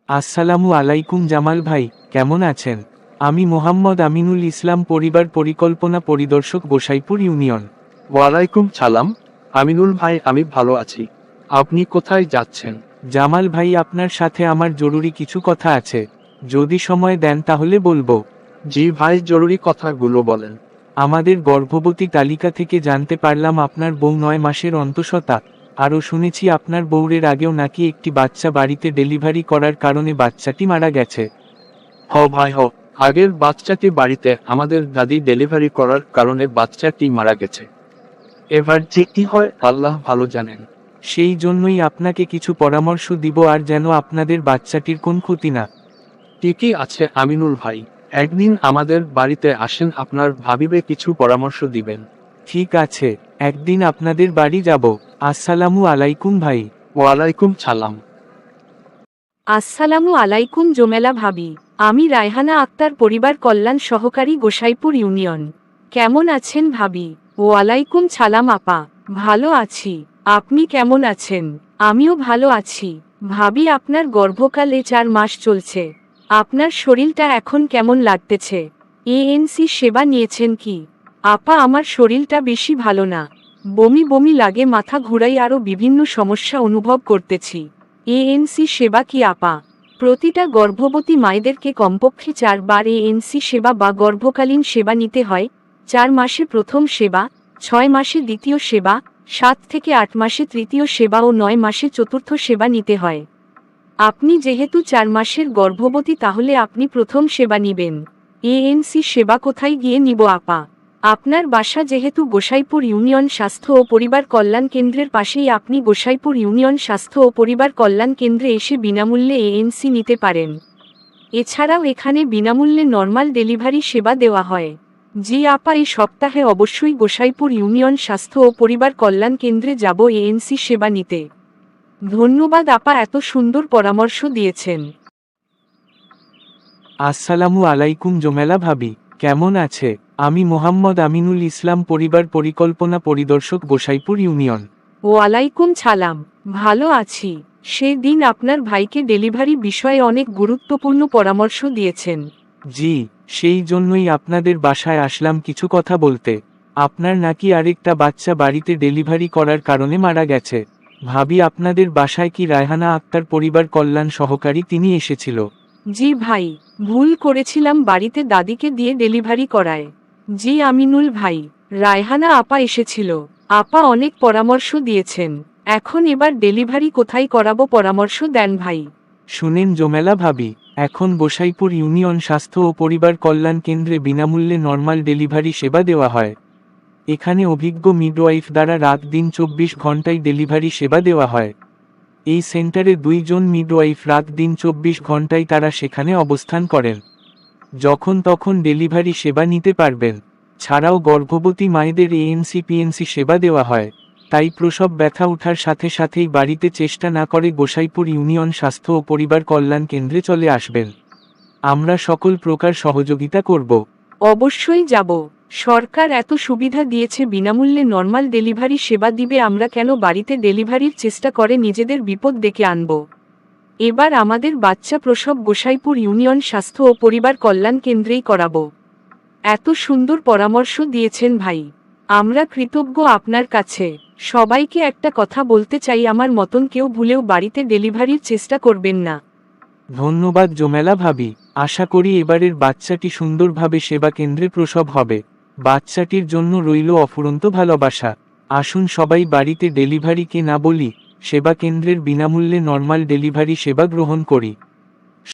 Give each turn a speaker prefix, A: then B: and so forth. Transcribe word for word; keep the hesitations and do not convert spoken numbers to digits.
A: আসসালামু আলাইকুম জামাল ভাই, কেমন আছেন? আমি মোহাম্মদ আমিনুল ইসলাম, পরিবার পরিকল্পনা পরিদর্শক, গোসাইপুর ইউনিয়ন।
B: ওয়ালাইকুম সালাম। আমিনুল ভাই, আমি ভালো আছি। আপনি কোথায় যাচ্ছেন?
A: জামাল ভাই, আপনার সাথে আমার জরুরি কিছু কথা আছে, যদি সময় দেন তাহলে বলবো।
B: জি ভাই, জরুরি কথাগুলো বলেন।
A: আমাদের গর্ভবতী তালিকা থেকে জানতে পারলাম আপনার বউ নয় মাসের অন্তঃসত্ত্বা। আরও শুনেছি আপনার বউরের আগেও নাকি একটি বাচ্চা বাড়িতে ডেলিভারি করার কারণে বাচ্চাটি মারা গেছে।
B: হ ভাই হ, আগের বাচ্চাটি বাড়িতে আমাদের দাদি ডেলিভারি করার কারণে বাচ্চাটি মারা গেছে। এবার যে কি হয় আল্লাহ ভালো জানেন।
A: সেই জন্যই আপনাকে কিছু পরামর্শ দিব, আর যেন আপনাদের বাচ্চাটির কোন ক্ষতি না।
B: ঠিকই আছে আমিনুল ভাই, একদিন আমাদের বাড়িতে আসেন, আপনার ভাবিবে কিছু পরামর্শ দিবেন।
A: ঠিক আছে, একদিন আপনাদের বাড়ি যাব। আসসালামু আলাইকুম ভাই।
B: ওয়ালাইকুম সালাম।
C: আসসালামু আলাইকুম জোমেলা ভাবি, আমি রায়হানা আক্তার, পরিবার কল্যাণ সহকারী, গোসাইপুর ইউনিয়ন। কেমন আছেন ভাবি? ওয়ালাইকুম সালাম আপা, ভালো আছি। আপনি কেমন আছেন? আমিও ভালো আছি। ভাবি, আপনার গর্ভকালে চার মাস চলছে, আপনার শরীরটা এখন কেমন লাগতেছে? এএনসি সেবা নিয়েছেন কি? আপা, আমার শরীরটা বেশি ভালো না, বমি বমি লাগে, মাথা ঘুরাই, আরও বিভিন্ন সমস্যা অনুভব করতেছি। এএনসি সেবা কি আপা? প্রতিটা গর্ভবতী মায়েদেরকে কমপক্ষে চারবার এএনসি সেবা বা গর্ভকালীন সেবা নিতে হয়। চার মাসে প্রথম সেবা, ছয় মাসে দ্বিতীয় সেবা, সাত থেকে আট মাসে তৃতীয় সেবা ও নয় মাসে চতুর্থ সেবা নিতে হয়। আপনি যেহেতু চার মাসের গর্ভবতী, তাহলে আপনি প্রথম সেবা নিবেন। এএনসি সেবা কোথায় গিয়ে নিব আপা? আপনার বাসা যেহেতু গোসাইপুর ইউনিয়ন স্বাস্থ্য ও পরিবার কল্যাণ কেন্দ্রের পাশেই, আপনি গোসাইপুর ইউনিয়ন স্বাস্থ্য ও পরিবার কল্যাণ কেন্দ্রে এসে বিনামূল্যে এএনসি নিতে পারেন। এছাড়াও এখানে বিনামূল্যে নর্মাল ডেলিভারি সেবা দেওয়া হয়। জি আপা, এই সপ্তাহে অবশ্যই গোসাইপুর ইউনিয়ন স্বাস্থ্য ও পরিবার কল্যাণ কেন্দ্রে যাব এএনসি সেবা নিতে। ধন্যবাদ আপা, এত সুন্দর পরামর্শ দিয়েছেন।
A: আসসালামু আলাইকুম জোমেলা ভাবি, কেমন আছে? আমি মোহাম্মদ আমিনুল ইসলাম, পরিবার পরিকল্পনা পরিদর্শক, গোসাইপুর ইউনিয়ন।
C: ওয়ালাইকুম সালাম, ভালো আছি। সেদিন আপনার ভাইকে ডেলিভারি বিষয়ে অনেক গুরুত্বপূর্ণ পরামর্শ দিয়েছেন।
A: জি, সেই জন্যই আপনাদের বাসায় আসলাম কিছু কথা বলতে। আপনার নাকি আরেকটা বাচ্চা বাড়িতে ডেলিভারি করার কারণে মারা গেছে। ভাবি, আপনাদের বাসায় কি রায়হানা আক্তার, পরিবার কল্যাণ সহকারী, তিনি এসেছিল?
C: জি ভাই, ভুল করেছিলাম, বাড়িতে দাদিকে দিয়ে ডেলিভারি করায়। জি আমিনুল ভাই, রায়হানা আপা এসেছিল। আপা অনেক পরামর্শ দিয়েছেন। এখন এবার ডেলিভারি কোথায় করাবো, পরামর্শ দেন ভাই।
A: শুনেন জোমেলা ভাবি, এখন গোসাইপুর ইউনিয়ন স্বাস্থ্য ও পরিবার কল্যাণ কেন্দ্রে বিনামূল্যে নর্মাল ডেলিভারি সেবা দেওয়া হয়। এখানে অভিজ্ঞ মিডওয়াইফ দ্বারা রাত দিন চব্বিশ ঘন্টায় ডেলিভারি সেবা দেওয়া হয়। এই সেন্টারে দুইজন মিডওয়াইফ রাত দিন চব্বিশ ঘন্টায় তারা সেখানে অবস্থান করেন। যখন তখন ডেলিভারি সেবা নিতে পারবেন। ছাড়াও গর্ভবতী মায়েদের এএনসি পিএনসি সেবা দেওয়া হয়। তাই প্রসব ব্যথা ওঠার সাথে সাথেই বাড়িতে চেষ্টা না করে গোসাইপুর ইউনিয়ন স্বাস্থ্য ও পরিবার কল্যাণ কেন্দ্রে চলে আসবেন। আমরা সকল প্রকার সহযোগিতা করব।
C: অবশ্যই যাব। সরকার এত সুবিধা দিয়েছে, বিনামূল্যে নর্মাল ডেলিভারি সেবা দিবে, আমরা কেন বাড়িতে ডেলিভারির চেষ্টা করে নিজেদের বিপদ ডেকে আনব? এবার আমাদের বাচ্চা প্রসব গোসাইপুর ইউনিয়ন স্বাস্থ্য ও পরিবার কল্যাণ কেন্দ্রেই করাবো। এত সুন্দর পরামর্শ দিয়েছেন ভাই, আমরা কৃতজ্ঞ আপনার কাছে। সবাইকে একটা কথা বলতে চাই, আমার মতন কেউ ভুলেও বাড়িতে ডেলিভারির চেষ্টা করবেন না।
A: ধন্যবাদ জোমেলা ভাবি, আশা করি এবারের বাচ্চাটি সুন্দরভাবে সেবা কেন্দ্রে প্রসব হবে। বাচ্চাটির জন্য রইল অফুরন্ত ভালোবাসা। আসুন সবাই বাড়িতে ডেলিভারিকে না বলি, সেবা কেন্দ্রের বিনামূল্যে নর্মাল ডেলিভারি সেবা গ্রহণ করি।